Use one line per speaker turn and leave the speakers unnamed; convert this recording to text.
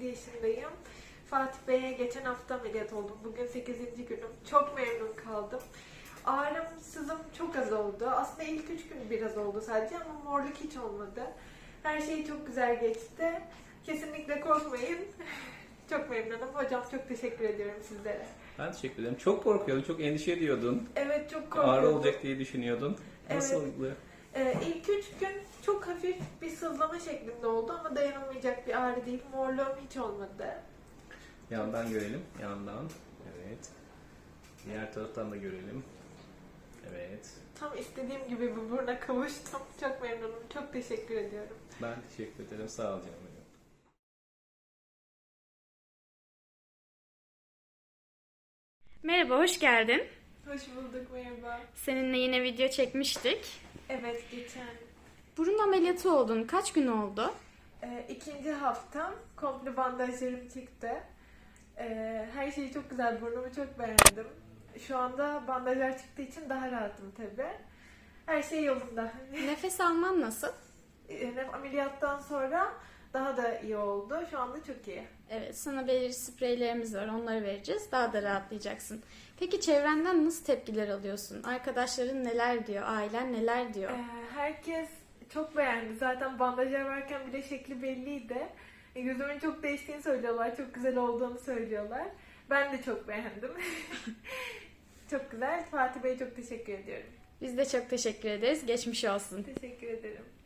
yaşındayım. Fatih Bey'e geçen hafta ameliyat oldum. Bugün 8. günüm. Çok memnun kaldım. Ağrım, sızım çok az oldu. Aslında ilk 3 gün biraz oldu sadece ama morluk hiç olmadı. Her şey çok güzel geçti. Kesinlikle korkmayın. Çok memnunum. Hocam çok teşekkür ediyorum sizlere.
Ben teşekkür ederim. Çok korkuyordun, çok endişe ediyordun.
Evet, çok korkuyordum.
Ağrı olacak diye düşünüyordun.
Evet.
Nasıldı?
İlk 3 gün çok hafif bir sızlama şeklinde oldu ama dayanılmayacak bir ağrı değil. Morluğum hiç olmadı.
Yandan görelim, yandan. Evet. Diğer taraftan da görelim. Evet.
Tam istediğim gibi bir buruna kavuştum. Çok memnunum. Çok teşekkür ediyorum.
Ben teşekkür ederim. Sağ ol canım benim.
Merhaba, hoş geldin.
Hoş bulduk, merhaba.
Seninle yine video çekmiştik.
Evet, geçen
Burun ameliyatı oldun. Kaç gün oldu?
ikinci haftam komple bandajlarım çıktı. Her şey çok güzel, burnumu çok beğendim. Şu anda bandajlar çıktığı için daha rahatım tabii. Her şey yolunda.
Nefes alman nasıl?
Ameliyattan sonra daha da iyi oldu. Şu anda çok iyi.
Evet, sana belirli spreylerimiz var. Onları vereceğiz. Daha da rahatlayacaksın. Peki çevrenden nasıl tepkiler alıyorsun? Arkadaşların neler diyor? Ailen neler diyor?
Herkes çok beğendi. Zaten bandajlar varken bile şekli belliydi. Gözümün çok değiştiğini söylüyorlar. Çok güzel olduğunu söylüyorlar. Ben de çok beğendim. Çok güzel. Fatih Bey'e çok teşekkür ediyorum.
Biz de çok teşekkür ederiz. Geçmiş olsun.
Teşekkür ederim.